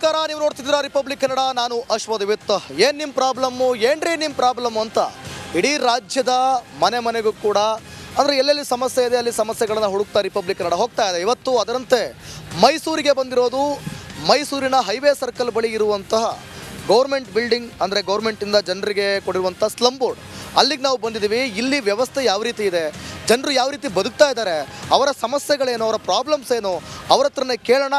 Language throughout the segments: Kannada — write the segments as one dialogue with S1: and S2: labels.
S1: ನಮಸ್ಕಾರ, ನೀವು ನೋಡ್ತಿದ್ದೀರಾ ರಿಪಬ್ಲಿಕ್ ಕನ್ನಡ. ನಾನು ಅಶ್ವಥ್. ವಿತ್ ಏನು ನಿಮ್ಮ ಪ್ರಾಬ್ಲಮ್ಮು, ಏನ್ರಿ ನಿಮ್ಮ ಪ್ರಾಬ್ಲಮ್ಮು ಅಂತ ಇಡೀ ರಾಜ್ಯದ ಮನೆ ಮನೆಗೂ ಕೂಡ ಅಂದರೆ ಎಲ್ಲೆಲ್ಲಿ ಸಮಸ್ಯೆ ಇದೆ ಅಲ್ಲಿ ಸಮಸ್ಯೆಗಳನ್ನು ಹುಡುಕ್ತಾ ರಿಪಬ್ಲಿಕ್ ಕನ್ನಡ ಹೋಗ್ತಾ ಇದೆ. ಇವತ್ತು ಅದರಂತೆ ಮೈಸೂರಿಗೆ ಬಂದಿರೋದು. ಮೈಸೂರಿನ ಹೈವೇ ಸರ್ಕಲ್ ಬಳಿ ಇರುವಂತಹ ಗೌರ್ಮೆಂಟ್ ಬಿಲ್ಡಿಂಗ್, ಅಂದರೆ ಗೌರ್ಮೆಂಟಿಂದ ಜನರಿಗೆ ಕೊಡಿರುವಂಥ ಸ್ಲಮ್ ಬೋರ್ಡ್, ಅಲ್ಲಿಗೆ ನಾವು ಬಂದಿದ್ದೀವಿ. ಇಲ್ಲಿ ವ್ಯವಸ್ಥೆ ಯಾವ ರೀತಿ ಇದೆ, ಜನರು ಯಾವ ರೀತಿ ಬದುಕ್ತಾ ಇದ್ದಾರೆ, ಅವರ ಸಮಸ್ಯೆಗಳೇನು, ಅವರ ಪ್ರಾಬ್ಲಮ್ಸ್ ಏನು, ಅವ್ರ ಹತ್ರನೇ ಕೇಳೋಣ.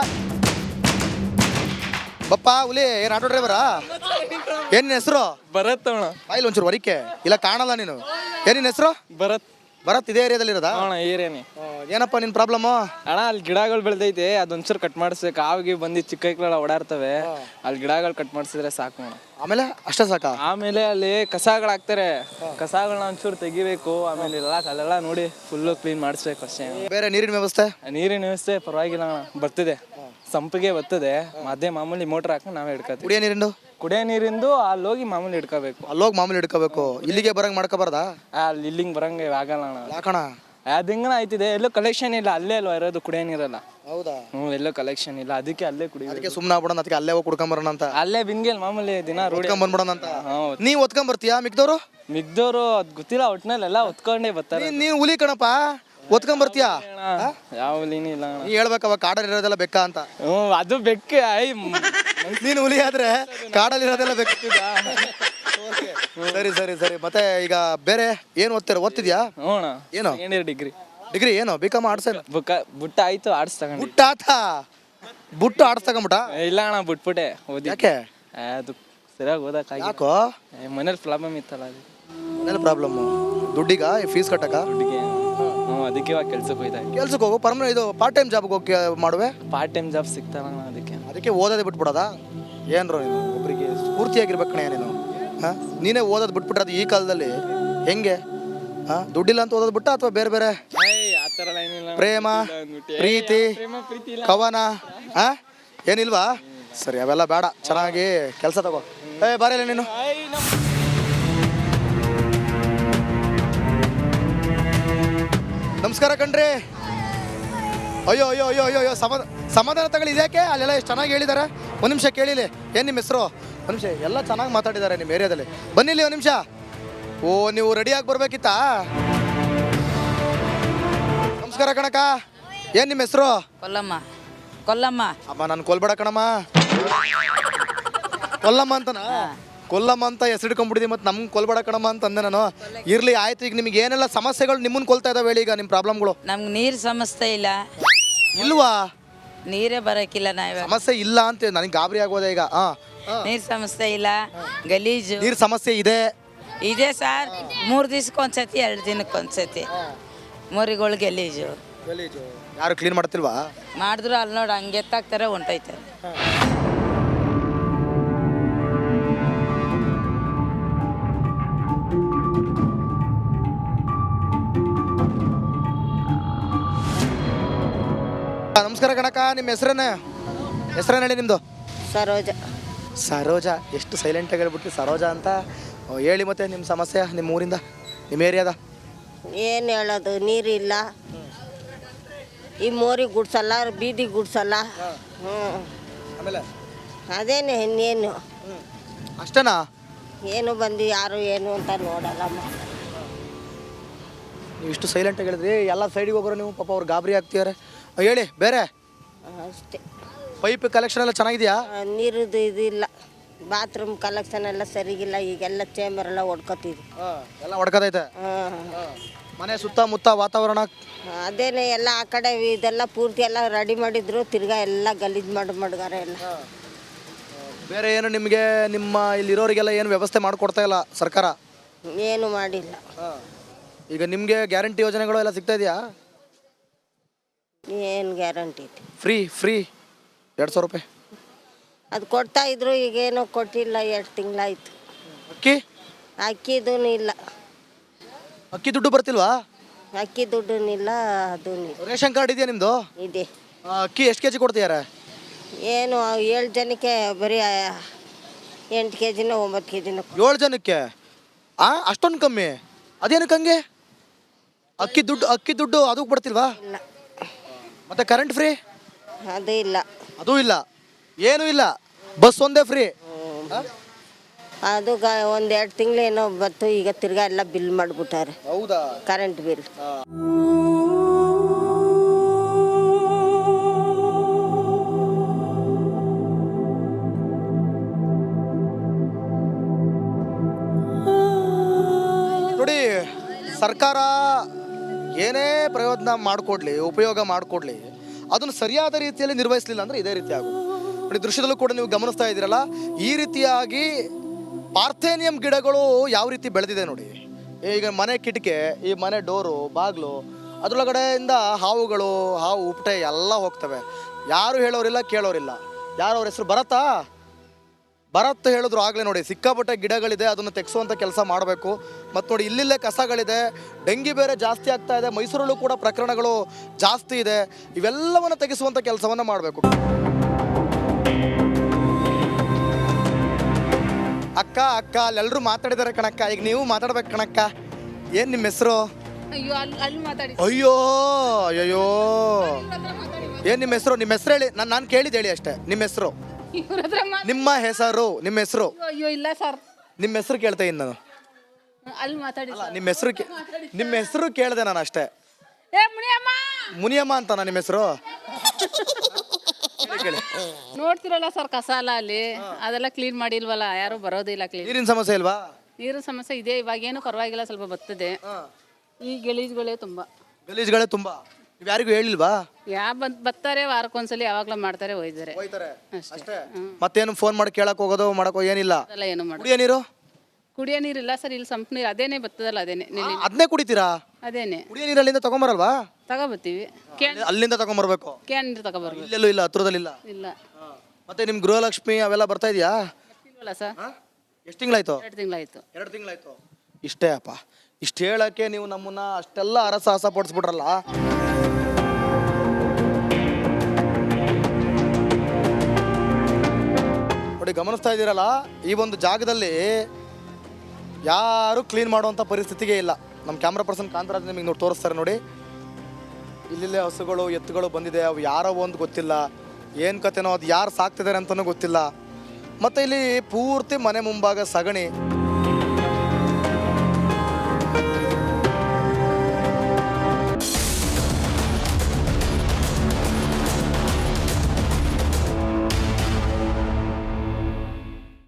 S1: ಬಪ್ಪ ಹುಲಿ, ಏನು ಆಟೋ ಡ್ರೈವರಾ? ಏನಿನ ಹೆಸರು?
S2: ಭರತ್ ಅಣ್ಣ.
S1: ಬಾಯಿಲ್ ಒಂಚೂರು ವರಿಕೆ ಇಲ್ಲ, ಕಾಣಲ್ಲ ನೀನು. ಏನಿನ ಹೆಸರು?
S2: ಭರತ್.
S1: ಭರತ್ ಇದೇ ಏರಿಯಾದಲ್ಲಿ ಇರೋದಾ?
S2: ಅಣ್ಣ ಏರಿಯಾನೇ.
S1: ಏನಪ್ಪ ನಿನ್ನ ಪ್ರಾಬ್ಲಮ್ಮು?
S2: ಅಣ್ಣ ಅಲ್ಲಿ ಗಿಡಗಳು ಬೆಳೆದೈತೆ, ಅದೊಂಚೂರು ಕಟ್ ಮಾಡಿಸ್ಬೇಕು. ಕಾವಿಗೆ ಬಂದು ಚಿಕ್ಕ ಕೈಗಳೆಲ್ಲ ಓಡಾಡ್ತವೆ, ಅಲ್ಲಿ ಗಿಡಗಳು ಕಟ್ ಮಾಡಿಸಿದ್ರೆ ಸಾಕು ಅಣ್ಣ.
S1: ಆಮೇಲೆ ಅಷ್ಟೇ ಸಾಕಾ?
S2: ಆಮೇಲೆ ಅಲ್ಲಿ ಕಸಗಳಾಗ್ತಾರೆ, ಕಸಗಳನ್ನ ಒಂಚೂರು ತೆಗಿಬೇಕು. ಆಮೇಲೆ ಅಲ್ಲೆಲ್ಲ ನೋಡಿ ಫುಲ್ಲು ಕ್ಲೀನ್ ಮಾಡಿಸ್ಬೇಕು ಅಷ್ಟೇ.
S1: ಬೇರೆ ನೀರಿನ ವ್ಯವಸ್ಥೆ?
S2: ನೀರಿನ ವ್ಯವಸ್ಥೆ ಪರವಾಗಿಲ್ಲ ಅಣ್ಣ, ಬರ್ತಿದೆ. ಸಂಪಿಗೆ ಬರ್ತದೆ, ಅದೇ ಮಾಮೂಲಿ ಮೋಟ್ರ್ ಹಾಕೊಂಡು ನಾವೇ ಹಿಡ್ಕೊತೀವಿ.
S1: ಕುಡಿಯೋ ನೀರಿಂದು?
S2: ಕುಡಿಯೋ ನೀರಿಂದು ಅಲ್ಲಿ ಹೋಗಿ ಮಾಮೂಲಿ ಹಿಡ್ಕೋಬೇಕು.
S1: ಅಲ್ಲೋಗಿ ಮಾಮೂಲಿ ಹಿಡ್ಕೋಬೇಕು, ಇಲ್ಲಿಗೆ ಬರಂಗ್ ಮಾಡ್ಕೋಬಾರ್ದಾ?
S2: ಅಲ್ಲಿ ಇಲ್ಲಿಂಗ್ ಬರಂಗೆ ಆಗಲ್ಲ ಅಣ್ಣ.
S1: ಯಾಕಣ?
S2: ಅದು ಹಿಂಗನ ಆಯ್ತಿದೆ, ಎಲ್ಲೂ ಕಲೆಕ್ಷನ್ ಇಲ್ಲ. ಅಲ್ಲೇ ಅಲ್ವಾ ಇರೋದು ಕುಡಿಯೋ ನೀರಲ್ಲ.
S1: ಹೌದಾ?
S2: ಎಲ್ಲೋ ಕಲೆಕ್ಷನ್ ಇಲ್ಲ, ಅದಕ್ಕೆ ಅಲ್ಲೇ ಕುಡಿಯೋದು.
S1: ಅದಕ್ಕೆ ಸುಮ್ಮನೆ ಆಗ್ಬಿಡೋಣ, ಅದಕ್ಕೆ ಅಲ್ಲೇ ಹೋಗಿ ಕುಡ್ಕೊಂಬರೋಣ ಅಂತ.
S2: ಅಲ್ಲೇ ಬಿಂದಿಗೆಲ್ ಮಾಮೂಲಿ ದಿನ ರೂಢಿ
S1: ಬಂದ್ಬಿಡೋಣ ಅಂತ. ನೀವು ಒತ್ಕೊಂಬರ್ತೀಯಾ? ಮಿಕ್ದವರು
S2: ಮಿಗ್ದವ್ರು ಅದ್ ಗೊತ್ತಿಲ್ಲ, ಒಟ್ನಲ್ಲಿ ಎಲ್ಲ ಒತ್ಕೊಂಡೇ ಬರ್ತಾರೆ.
S1: ನೀನು ಹುಲಿ ಕಣಪ್ಪ, ಒತ್ಕೊಂಬರ್ತೀಯಾ?
S2: ಯಾವ ಹುಲಿನೂ ಇಲ್ಲ ಅಣ್ಣ.
S1: ನೀ ಹೇಳ್ಬೇಕವ ಕಾಡಲ್ಲಿ ಇರೋದೆಲ್ಲ ಬೆಕ್ಕ ಅಂತ.
S2: ಅದು ಬೆಕ್ಕೆ.
S1: ನೀನು ಹುಲಿ ಆದ್ರೆ ಕಾಡಲ್ಲಿ ಇರೋದೆಲ್ಲ ಬೆಕ್ಕ. ಸರಿ ಸರಿ ಸರಿ. ಮತ್ತೆ ಈಗ ಬೇರೆ ಏನು ಓದ್ತಿದ್ಯಾ? ಏನು?
S2: ಡಿಗ್ರಿ.
S1: ಡಿಗ್ರಿ ಏನು? BCom arts?
S2: ಬುಟ್ಟ ಆಯ್ತು, ಆರ್ಟ್ಸ್ ತಗೊಂಡು.
S1: ಬುಟ್ಟ ಆತ ಬುಟ್ಟು ಆರ್ಟ್ಸ್ ತಗೊಂಬಿಟ್ಟ?
S2: ಇಲ್ಲ ಅಣ್ಣ, ಬಿಟ್ಬಿಟ್ಟೆ ಓದಿ.
S1: ಯಾಕೆ?
S2: ಅದು ಸರಿಯಾಗಿ ಓದಕ್ಕ.
S1: ಯಾಕೋ?
S2: ಮನೇಲಿ ಪ್ರಾಬ್ಲಮ್ ಇತ್ತಲ್ಲ, ಅದು
S1: ಮನೇಲಿ ಪ್ರಾಬ್ಲಮ್ಮು. ದುಡ್ಡಿಗ ಫೀಸ್ ಕಟ್ಟಕ?
S2: ದುಡ್ಡಿಗೆ. ಅದಕ್ಕೆ ಇವಾಗ ಕೆಲ್ಸಕ್ಕೆ ಹೋಯ್ತಾ.
S1: ಕೆಲ್ಸಕ್ಕೆ ಹೋಗು, ಪರ್ಮನೆಂಟ್ ಇದು ಪಾರ್ಟ್ ಟೈಮ್ ಜಾಬ್ಗೆ ಹೋಗಿ ಮಾಡುವೆ.
S2: ಪಾರ್ಟ್ ಟೈಮ್ ಜಾಬ್ ಸಿಗ್ತಾನ ಅದಕ್ಕೆ
S1: ಓದೋದೇ ಬಿಟ್ಬಿಡೋದಾ? ಏನ್ರೋ ನೀನು ಒಬ್ಬರಿಗೆ ಸ್ಫೂರ್ತಿಯಾಗಿರ್ಬೇಕು ಕಣೆ ನೀನು. ಹಾಂ, ನೀನೇ ಓದೋದು ಬಿಟ್ಬಿಟ್ರೆ ಅದು ಈ ಕಾಲದಲ್ಲಿ ಹೆಂಗೆ? ಹಾಂ, ದುಡ್ಡಿಲ್ಲ ಅಂತ ಓದೋದು ಬಿಟ್ಟ ಅಥವಾ ಬೇರೆ ಬೇರೆ ಪ್ರೇಮ ಪ್ರೀತಿ ಕವನ ಹಾಂ ಏನಿಲ್ವಾ? ಸರಿ, ಅವೆಲ್ಲ ಬೇಡ, ಚೆನ್ನಾಗಿ ಕೆಲಸ ತಗೋ. ಬಾರಿಲ್ಲ ನೀನು. ನಮಸ್ಕಾರ ಕಣ್ರಿ. ಅಯ್ಯೋ ಅಯ್ಯೋ ಅಯ್ಯೋ ಅಯ್ಯೋ ಅಯ್ಯೋ, ಸಮಾಧಾನ ತಗೊಳ್ಳಿ. ಇದ್ಯಾಕೆ? ಅಲ್ಲೆಲ್ಲ ಎಷ್ಟು ಚೆನ್ನಾಗಿ ಹೇಳಿದ್ದಾರೆ. ಒಂದು ನಿಮಿಷ ಕೇಳಿಲಿ, ಏನು ನಿಮ್ಮ ಹೆಸರು? ಒಂದು ನಿಮಿಷ, ಎಲ್ಲ ಚೆನ್ನಾಗಿ ಮಾತಾಡಿದ್ದಾರೆ ನಿಮ್ಮ ಏರಿಯಾದಲ್ಲಿ. ಬನ್ನಿಲ್ಲಿ ಒಂದು ನಿಮಿಷ. ಓ, ನೀವು ರೆಡಿಯಾಗಿ ಬರ್ಬೇಕಿತ್ತಾ? ನಮಸ್ಕಾರ ಕಣಕ್ಕ, ಏನು ನಿಮ್ಮ ಹೆಸರು?
S3: ಕೊಲ್ಲಮ್ಮ. ಕೊಲ್ಲಮ್ಮ.
S1: ಅಮ್ಮ, ನಾನು ಕೊಲ್ಬೇಡ ಕಣಮ್ಮ. ಕೊಲ್ಲಮ್ಮ ಅಂತನಾ? ಕೊಲ್ಲಮ್ಮ ಅಂತ ಹೆಸರಿಟ್ಕೊಂಡ್ಬಿಟ್ಟಿದ್ದಿ, ಮತ್ತು ನಮ್ಗೆ ಕೊಲ್ಬೇಡ ಕಣಮ್ಮ ಅಂತ ಅಂದೆ ನಾನು. ಇರ್ಲಿ, ಆಯ್ತು. ಈಗ ನಿಮ್ಗೆ ಏನೆಲ್ಲ ಸಮಸ್ಯೆಗಳು ನಿಮ್ಮನ್ನು ಕೊಲ್ತಾ ಇದಾವೆ ಹೇಳಿ, ಈಗ ನಿಮ್ಮ ಪ್ರಾಬ್ಲಮ್ಗಳು.
S3: ನಮ್ಗೆ ನೀರು ಸಮಸ್ಯೆ ಇಲ್ಲ.
S1: ಇಲ್ವಾ?
S3: ನೀರೇ ಬರೋಕ್ಕಿಲ್ಲ. ನಾವು
S1: ಸಮಸ್ಯೆ ಇಲ್ಲ ಅಂತ ನನಗೆ ಗಾಬರಿ ಆಗೋದೆ ಈಗ.
S3: ನೀರು ಸಮಸ್ಯೆ ಇಲ್ಲ, ಗಲೀಜು.
S1: ನೀರು ಸಮಸ್ಯೆ ಇದೆ?
S3: ಇದೆ ಸರ್. 3 ದಿವ್ಸಕ್ಕೊಂದ್ಸತಿ, 2 ದಿನಕ್ಕೊಂದ್ಸತಿ ಮರಿಗಳು ಗಲೀಜು.
S1: ಯಾರು ಕ್ಲೀನ್ ಮಾಡ್ತಿಲ್ವಾ?
S3: ಮಾಡಿದ್ರು ಅಲ್ಲಿ ನೋಡಿ ಹಂಗೆ ಎತ್ತಾಕ್ತಾರೆ, ಹೊಂಟೋಯ್ತಾರೆ.
S1: ನಮಸ್ಕಾರ ಕಣಕ್ಕ, ನಿಮ್ಮ ಹೆಸರೇನು? ಹೆಸರೇನು ಹೇಳಿ ನಿಮ್ಮದು?
S3: ಸರೋಜ.
S1: ಸರೋಜ? ಎಷ್ಟು ಸೈಲೆಂಟಾಗಿ ಹೇಳ್ಬಿಟ್ಟು ಸರೋಜ ಅಂತ. ಹೇಳಿ ಮತ್ತೆ ನಿಮ್ಮ ಸಮಸ್ಯೆ, ನಿಮ್ಮ ಊರಿಂದ, ನಿಮ್ಮ ಏರಿಯಾದ.
S4: ಏನು ಹೇಳೋದು, ನೀರಿಲ್ಲ. ಈ ಮೋರಿ ಗುಡ್ಸಲ್ಲ, ಬೀದಿ ಗುಡ್ಸಲ್ಲ.
S1: ಆಮೇಲೆ
S4: ಅದೇನು ಇನ್ನೇನು
S1: ಅಷ್ಟೇನಾ?
S4: ಏನು ಬಂದು ಯಾರು ಏನು ಅಂತ ನೋಡಲ್ಲ.
S1: ನೀವು ಇಷ್ಟು ಸೈಲೆಂಟಾಗಿ ಹೇಳಿದ್ರಿ, ಎಲ್ಲ ಸೈಡಿಗೆ ಹೋಗೋರು ನೀವು. ಪಾಪ ಅವ್ರು ಗಾಬರಿ ಆಗ್ತಿದ್ದಾರೆ. ಹೇಳಿ ಬೇರೆ.
S4: ಅಷ್ಟೇ.
S1: ಪೈಪ್ ಕಲೆಕ್ಷನ್ ಎಲ್ಲ ಚೆನ್ನಾಗಿದೆಯಾ?
S4: ನೀರಿದು ಇದಿಲ್ಲ, ಬಾತ್ರೂಮ್ ಕಲೆಕ್ಷನ್ ಎಲ್ಲ ಸರಿಗಿಲ್ಲ. ಈಗೆಲ್ಲ ಚೇಂಬರ್ ಎಲ್ಲ ಹೊಡ್ಕೊತಿದ್ವಿ.
S1: ಎಲ್ಲ ಹೊಡ್ಕೋದೈತೆ. ಮನೆ ಸುತ್ತಮುತ್ತ ವಾತಾವರಣ
S4: ಅದೇನೆ ಎಲ್ಲ ಆ ಕಡೆ ಇದೆಲ್ಲ ಪೂರ್ತಿ ಎಲ್ಲ ರೆಡಿ ಮಾಡಿದ್ರು, ತಿರ್ಗಾ ಎಲ್ಲ ಗಲೀಜು ಮಡ್ಗಾರ ಎಲ್ಲ.
S1: ಬೇರೆ ಏನು ನಿಮಗೆ ನಿಮ್ಮ ಇಲ್ಲಿರೋರಿಗೆಲ್ಲ ಏನು ವ್ಯವಸ್ಥೆ ಮಾಡಿಕೊಡ್ತಾ ಇಲ್ಲ ಸರ್ಕಾರ?
S4: ಏನು ಮಾಡಿಲ್ಲ.
S1: ಈಗ ನಿಮಗೆ ಗ್ಯಾರಂಟಿ ಯೋಜನೆಗಳು ಎಲ್ಲ ಸಿಗ್ತಾ ಇದೆಯಾ?
S4: ಏನು ಗ್ಯಾರಂಟಿ ಇದೆ?
S1: ಫ್ರೀ 200 ರೂಪಾಯಿ
S4: ಅದು ಕೊಡ್ತಾ ಇದ್ರು, ಈಗೇನೋ ಕೊಟ್ಟಿಲ್ಲ. 2 ತಿಂಗಳಾಯ್ತು. ಅಕ್ಕಿದೂ ಇಲ್ಲ.
S1: ಅಕ್ಕಿ ದುಡ್ಡು ಬರ್ತಿಲ್ವಾ?
S4: ಅಕ್ಕಿ ದುಡ್ಡು ಇಲ್ಲ, ಅದೂ ಇಲ್ಲ.
S1: ರೇಷನ್ ಕಾರ್ಡ್ ಇದೆಯಾ ನಿಮ್ಮದು?
S4: ಇದೆ.
S1: ಅಕ್ಕಿ ಎಷ್ಟು ಕೆಜಿ ಕೊಡ್ತೀಯಾರ?
S4: ಏನು 7 ಜನಕ್ಕೆ ಬರೀ 8 kg 9 kg.
S1: 7 ಜನಕ್ಕೆ ಅಷ್ಟೊಂದು ಕಮ್ಮಿ? ಅದೇನಕ್ಕೆ ಹಂಗೆ? ಅಕ್ಕಿ ದುಡ್ಡು ಅದಕ್ಕೆ ಬರ್ತಿಲ್ವಾ?
S4: ಇಲ್ಲ.
S1: ಮತ್ತೆ ಕರೆಂಟ್ ಫ್ರೀ?
S4: ಅದು ಇಲ್ಲ.
S1: ಅದೂ ಇಲ್ಲ, ಏನೂ ಇಲ್ಲ. ಬಸ್ ಒಂದೇ ಫ್ರೀ.
S4: ಅದು ಒಂದು 2 ತಿಂಗಳು ಏನೋ ಬತ್ತು, ಈಗ ತಿರ್ಗಾ ಎಲ್ಲ ಬಿಲ್ ಮಾಡಿಬಿಟ್ಟಾರೆ,
S1: ಹೌದಾ?
S4: Current bill.
S1: ನೋಡಿ, ಸರ್ಕಾರ ಏನೇ ಪ್ರಯೋಜನ ಮಾಡಿಕೊಡ್ಲಿ, ಉಪಯೋಗ ಮಾಡಿಕೊಡ್ಲಿ, ಅದನ್ನು ಸರಿಯಾದ ರೀತಿಯಲ್ಲಿ ನಿರ್ವಹಿಸಲಿಲ್ಲ ಅಂದರೆ ಇದೇ ರೀತಿ ಆಗೋದು. ನೋಡಿ, ದೃಶ್ಯದಲ್ಲೂ ಕೂಡ ನೀವು ಗಮನಿಸ್ತಾ ಇದ್ದೀರಲ್ಲ, ಈ ರೀತಿಯಾಗಿ ಪಾರ್ಥೇನಿಯಂ ಗಿಡಗಳು ಯಾವ ರೀತಿ ಬೆಳೆದಿದೆ ನೋಡಿ. ಈಗ ಮನೆ ಕಿಟಕಿ, ಈ ಮನೆ ಡೋರು, ಬಾಗಿಲು, ಅದರೊಳಗಡೆಯಿಂದ ಹಾವುಗಳು, ಹಾವು ಉಪಟೆ ಎಲ್ಲ ಹೋಗ್ತವೆ. ಯಾರು ಹೇಳೋರಿಲ್ಲ, ಕೇಳೋರಿಲ್ಲ. ಯಾರು ಅವ್ರ ಹೆಸರು ಭರತ್ ಹೇಳಿದ್ರು ಆಗಲೇ. ನೋಡಿ, ಸಿಕ್ಕಾಪಟ್ಟೆ ಗಿಡಗಳಿದೆ, ಅದನ್ನು ತೆಗೆಸುವಂಥ ಕೆಲಸ ಮಾಡಬೇಕು. ಮತ್ತು ನೋಡಿ, ಇಲ್ಲಿಲ್ಲೇ ಕಸಗಳಿದೆ, ಡೆಂಗಿ ಬೇರೆ ಜಾಸ್ತಿ ಆಗ್ತಾ ಇದೆ, ಮೈಸೂರಲ್ಲೂ ಕೂಡ ಪ್ರಕರಣಗಳು ಜಾಸ್ತಿ ಇದೆ. ಇವೆಲ್ಲವನ್ನು ತೆಗೆಸುವಂಥ ಕೆಲಸವನ್ನು ಮಾಡಬೇಕು. ಅಕ್ಕ ಅಲ್ಲೆಲ್ಲರೂ ಮಾತಾಡಿದ್ದಾರೆ ಕಣಕ್ಕ, ಈಗ ನೀವು ಮಾತಾಡ್ಬೇಕು ಕಣಕ್ಕ. ಏನು ನಿಮ್ಮ ಹೆಸರು? ಅಯ್ಯೋ ಏನು ನಿಮ್ಮ ಹೆಸರು? ನಿಮ್ಮ ಹೆಸರು ಹೇಳಿ, ನಾನು ಕೇಳಿದ್ದು ಹೇಳಿ ಅಷ್ಟೇ. ನಿಮ್ಮ ಹೆಸರು? ನಿಮ್ಮ ಹೆಸರು?
S5: ಅಯ್ಯೋ ಇಲ್ಲ ಸರ್,
S1: ನಿಮ್ಮ ಹೆಸರು ಕೇಳ್ತಾ ಇದ್ದೀನಿ ನಾನು.
S5: ಅಲ್ಲಿ ಮಾತಾಡಿ.
S1: ನಿಮ್ಮ ಹೆಸರು ಕೇಳಿದೆ ನಾನು ಅಷ್ಟೇ. ಮುನಿಯಮ್ಮ ಅಂತನಾ ನಿಮ್ಮ ಹೆಸರು?
S5: ನೋಡ್ತಿರಲ್ಲ ಸರ್, ಕಸ ಅಲ್ಲ ಅಲ್ಲಿ, ಅದೆಲ್ಲ ಕ್ಲೀನ್ ಮಾಡಿಲ್ವಲ್ಲ, ಯಾರು ಬರೋದಿಲ್ಲ. ಕ್ಲೀನ್
S1: ನೀರಿನ ಸಮಸ್ಯೆ ಇಲ್ವಾ?
S5: ನೀರಿನ ಸಮಸ್ಯೆ ಇದೆ, ಇವಾಗ ಏನು ಪರವಾಗಿಲ್ಲ, ಸ್ವಲ್ಪ ಬರ್ತದೆ. ಈ ಗಲೀಜುಗಳೇ ತುಂಬಾ.
S1: ಗಲೀಜುಗಳೇ ತುಂಬಾ. ನೀವು ಯಾರಿಗೂ ಹೇಳಿಲ್ವಾ?
S5: ಬರ್ತಾರೆ ವಾರಕ್ಕೊಂದ್ಸಲಿ, ಯಾವಾಗ್ಲೂ ಮಾಡ್ತಾರೆ, ಹೋಯ್ತಾರೆ
S1: ಅಷ್ಟೇ. ಮತ್ತೇನು ಫೋನ್ ಮಾಡಿ ಕೇಳಕ್ ಹೋಗೋದು ಮಾಡಕೋ ಏನಿಲ್ಲ?
S5: ಅದೆಲ್ಲ ಏನು ಮಾಡೋದು. ಕುಡಿಯೋ ನೀರಿಲ್ಲ ಸರ್, ಇಲ್ಲಿ ಸಂಪ್ ನೀರು ಅದೇನೆ ಬರ್ತದಲ್ಲ, ಅದೇನೆ
S1: ಅದನ್ನೇ ಕುಡಿತೀರಾ?
S5: ಅದೇನೆ.
S1: ಕುಡಿಯೋ ನೀರು ಅಲ್ಲಿಂದ ತಗೊಂಬರಲ್ವಾ?
S5: ತಗೋಬರ್ತೀವಿ,
S1: ಅಲ್ಲಿಂದ ತಗೊಂಬರ್ಬೇಕು.
S5: ಕ್ಯಾನ್ ನೀರು ತಗೋಬರ್ಬೇಕು.
S1: ಇಲ್ಲೆಲ್ಲೂ ಇಲ್ಲ, ಹತ್ರದಲ್ಲಿ
S5: ಇಲ್ಲ.
S1: ಮತ್ತೆ ನಿಮ್ ಗೃಹಲಕ್ಷ್ಮಿ ಅವೆಲ್ಲ ಬರ್ತಾ ಇದೆಯಾ?
S5: ಬರ್ತಿಲ್ವಲ್ಲ ಸರ್.
S1: ಎಷ್ಟು ತಿಂಗಳಾಯ್ತು?
S5: 2 ತಿಂಗಳಾಯ್ತು.
S1: ಇಷ್ಟೇ ಅಪ್ಪ. ಇಷ್ಟು ಹೇಳಕ್ಕೆ ನೀವು ನಮ್ಮನ್ನ ಅಷ್ಟೆಲ್ಲ ಅರಸಾಹಸ ಪಡಿಸ್ಬಿಟ್ರಲ್ಲ. ನೋಡಿ, ಗಮನಿಸ್ತಾ ಇದ್ದೀರಲ್ಲ, ಈ ಒಂದು ಜಾಗದಲ್ಲಿ ಯಾರು ಕ್ಲೀನ್ ಮಾಡುವಂಥ ಪರಿಸ್ಥಿತಿಗೆ ಇಲ್ಲ. ನಮ್ಮ ಕ್ಯಾಮ್ರಾ ಪರ್ಸನ್ ಕಾಂತರಾಜ್ ನಿಮಗೆ ನೋಡಿ ತೋರಿಸ್ತಾರೆ. ನೋಡಿ, ಇಲ್ಲಿಲ್ಲೇ ಹಸುಗಳು, ಎತ್ತುಗಳು ಬಂದಿದೆ. ಅವು ಯಾರೋ ಒಂದು ಗೊತ್ತಿಲ್ಲ, ಏನು ಕತೆನೋ, ಅದು ಯಾರು ಸಾಕ್ತಿದ್ದಾರೆ ಅಂತಲೂ ಗೊತ್ತಿಲ್ಲ. ಮತ್ತು ಇಲ್ಲಿ ಪೂರ್ತಿ ಮನೆ ಮುಂಭಾಗ ಸಗಣಿ.